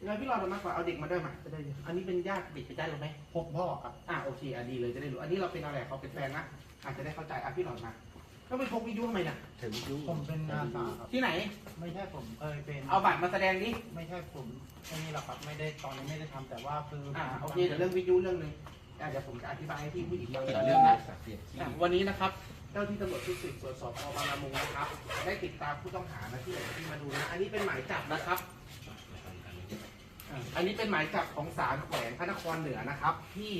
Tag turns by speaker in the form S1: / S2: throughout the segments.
S1: งั้นพี่รอดมากกว่าเอาเด็กมาด้วยมาจะได้อันนี้เป็นญาติเด็กเป็นญาติเราไหม
S2: พบพ่อครับ
S1: โอเคดีเลยจะได้รู้อันนี้เราเป็นอะไรเขาเป็นแฟนนะอาจจะได้เข้าใจพี่รอดมาแล้วไปพกวิทยุทำไมเนี่ย
S3: ถึงยุ
S2: ผมเป็นอาสาครับ
S1: ที่ไหน
S2: ไม่ใช่ผมเคยเป็น
S1: เอาบัตรมาแสดงดิ
S2: ไม่ใช่ผมไอ้นี่หรอกครับไม่ได้ตอนนี้ไม่ได้ทำแต่ว่าคือ
S1: โอเคเดี๋ยวเรื่องวิทยุเรื่องนึงเดี๋ยวผมจะอธิบายให้พี่ผู้หญิงฟัง
S3: เกี่
S1: เกี่
S3: ย
S1: ยว ว
S3: เรื่
S1: เรื่
S3: อ
S1: อง ง
S3: นะ
S1: นะวันนี้นะครับเจ้าที่ตำรวจชุดสืบสวนสพบางละมุงนะครับได้ติดตามผู้ต้องหานะที่มาดูนะอันนี้เป็นหมายจับนะครับอันนี้เป็นหมายจับของศาลแขวงพระนครเหนือนะครับที่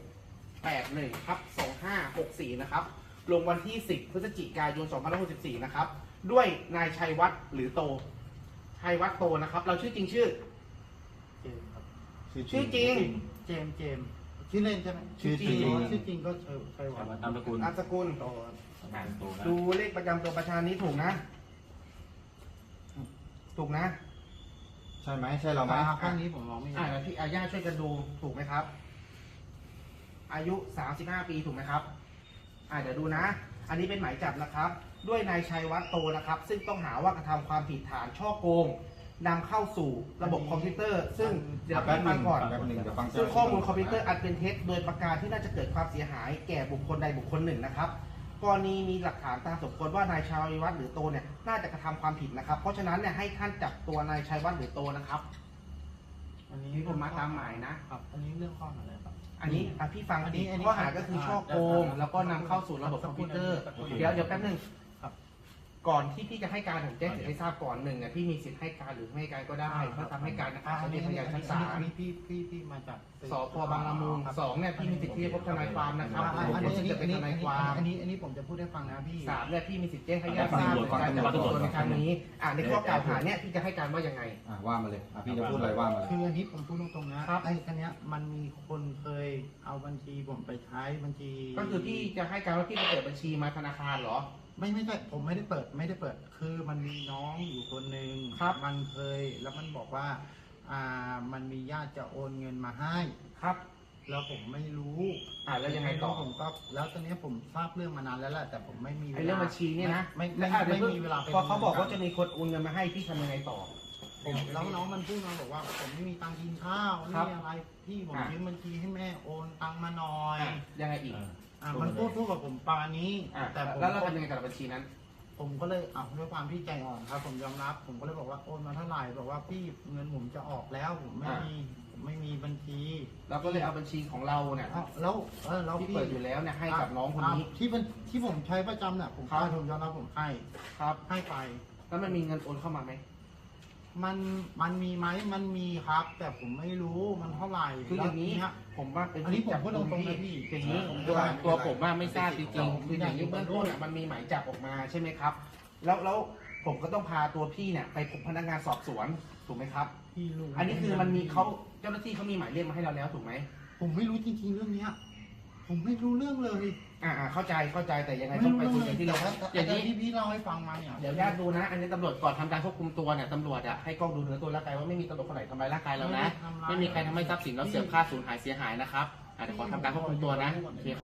S1: 681/2564นะครับลงวันที่ 10 พฤศจิกายน 2564นะครับด้วยนายชัยวัฒน์หรือโตชัยวัฒน์โตนะครับเราชื่อจริงชื่อ
S2: เจมส์ครับ
S1: ชื่อจริง
S2: เจมส์ชื่อเล่นใช่ไหม
S1: ชื่อจริง
S2: ชื่อจริงก็ชัยวัฒน์
S3: ตามตระกูล
S1: นามสกุล
S2: โตครับ
S1: ดูเลขประจำตัวประชาชนนี้ถูกนะ ถูกนะ
S4: ใช่ไหมใช่เราไหม
S2: ข้างนี้ผมมองไม่เห็น
S1: แล้วพี่อาญาช่วยกันดูถูกไหมครับ อายุ 35 ปีถูกไหมครับเดี๋ยวดูนะ อันนี้เป็นหมายจับนะครับ ด้วยนายชัยวัฒน์โตนะครับ ซึ่งต้องหาว่ากระทำความผิดฐานช่อโกงนำเข้าสู่ระบบคอมพิวเตอร์ ซึ่งเดี๋ยว
S4: แป๊บ
S1: ฟังก่อน
S4: แป๊บหนึ่งเดี๋ยวฟัง
S1: ซึ่งข้อมูลคอมพิวเตอร์อันเป็นเท็จโดยประการที่น่าจะเกิดความเสียหายแก่บุคคลใดบุคคลหนึ่งนะครับกรณีมีหลักฐานตามสมควรว่านายชัยวัฒน์หรือโตเนี่ยน่าจะกระทำความผิดนะครับ เพราะฉะนั้นเนี่ยให้ท่านจับตัวนายชัยวัฒน์หรือโตนะครับ
S2: อันนี้
S1: นี่ผมมาตามหมายนะ
S2: ครับอันนี้เรื่องข้อหาอะไรครับ
S1: อันนี้พี่ฟัง
S2: อันนี้
S1: ข้อหาก็คือช่อโกงแล้วก็นำเข้าสู่ระบบคอมพิวเตอร์ เดี๋ยวแป๊บนึง
S2: ครับ
S1: ก่อนที่พี่จะให้การผมแจ้งสิทธิ์ให้ทราบก่อนหนึ่งเนี่ยพี่มีสิทธิ์ให้การหรือไม่ให้การก็ได้ถ้าทำให้การนะครับจะเป็นพยานชั้นศาล
S2: อันนี้พี่มาจาก
S1: สพบางละมุงสองเนี่ยพี่มีสิทธิ์ที่จะพบทนายความนะครับ
S2: อัน
S1: ผมจะเป็นทนายความ
S2: อันนี้ผมจะพูดให้ฟังนะพี่
S1: สามเนี่ยพี่มีสิทธิ์แจ้งให้ญาติทราบในการจับตัวในครั้งนี้ในข้อกล่าวหาเนี่ยพี่จะให้การว่ายังไง
S4: ว่ามาเลยพี่จะพูดอะไรว่ามาเลย
S2: คืออันนี้ผมพูดตรงๆนะครับ ไอ้คันนี้ยมันมีคนเคยเอาบัญชีผมไปใช้บัญชี
S1: ก็คือพี่จะให้การว่าพี่ไปเปิดบัญชีมาธนาคารเหรอ
S2: ไม่ใช่ผมไม่ได้เปิดคือมันมีน้องอยู่คนหนึ่ง
S1: ครับ
S2: มันเคยแล้วมันบอกว่ามันมีญาติจะโอนเงินมาให้
S1: ครับ
S2: แล้วผมไม่รู้
S1: แล้วยังไงต่อ
S2: ผมก็แล้วตอนนี้ผมทราบเรื่องมานานแล้วแหละแต่ผมไม่มีวลา
S1: ไอ้เรื่องบัญชีเนี่ยนะ
S2: ไม่มีเวลาไป
S1: พอเขาบอกว่าจะมีคนโอนเงินมาให้พี่ทำยังไงต่อ
S2: ผมแล้วน้องมันพูดมาบอกว่าผมไม่มีตังค์กินข้าว
S1: ครับ
S2: นี่อะไรพี่ผมยืมบัญชีให้แม่โอนตังค์มาหน่อย
S1: ยังไงอีก
S2: มันพูดกับผมประมาณนี้ แต่ผม
S1: แล้วเราทำยังไงกับบัญชีนั้น
S2: ผมก็เลยด้วยความที่ใจอ่อนครับ ผมยอมรับ ผมก็เลยบอกว่าโอนมาเท่าไหร่บอกว่าพี่เงินผมจะออกแล้วผมไม่มีบัญชี
S1: เราก็เลยเอาบัญชีของเราเนี่ย
S2: แล้ว
S1: ที่เปิดอยู่แล้วเนี่ยให้กับน้องคนนี้
S2: ที่ผมใช้ประจำเนี่ยผม
S1: ครับ
S2: ผมยอมรับผมให้
S1: ครับ
S2: ให้ไป
S1: แล้วมันมีเงินโอนเข้ามาไหม
S2: มันมีไหมมันมีครับ แต่ผมไม่รู้มันเท่าไหร่
S1: คืออย่างนี้
S2: แล้ว
S1: ผมว่าเป็น
S2: อันนี้ผมพูดตรงๆนะพี่
S1: อย่างนี้ตัวผมว่าไม่ทราบจริงๆคืออย่างนี้เบื้องต้นมันมีหมายจับออกมาใช่ไหมครับ แล้วผมก็ต้องพาตัวพี่เนี่ยไปพบพนักงานสอบสวนถูกไหมครับ
S2: พี่รู้
S1: อันนี้คือมันมีเจ้าหน้าที่เขามีหมายเรียกมาให้เราแล้วถูกไหม
S2: ผมไม่รู้จริงๆเรื่องเนี้ยผมไม่รู้เรื่องเลย
S1: เข้าใจแต่ยังไงต้องไปคุยกันที่เราอย่างนี้
S2: ที่พี่เล่าให้ฟังมาเนี่ย
S1: เดี๋ยวญาติดูนะ อันนี้ตำรวจก่อนทำการควบคุมตัวเนี่ยตำรวจให้กล้องดูเนื้อตัวร่างกายว่าไม่มีตำรวจคนไหนทำร้ายร่างกายเรานะ ไม่มีใครทำให้ทรัพย์สินเราเสื่อมค่าสูญหายเสียหายนะครับเดี๋ยวขอทำการควบคุมตัวนะโอเค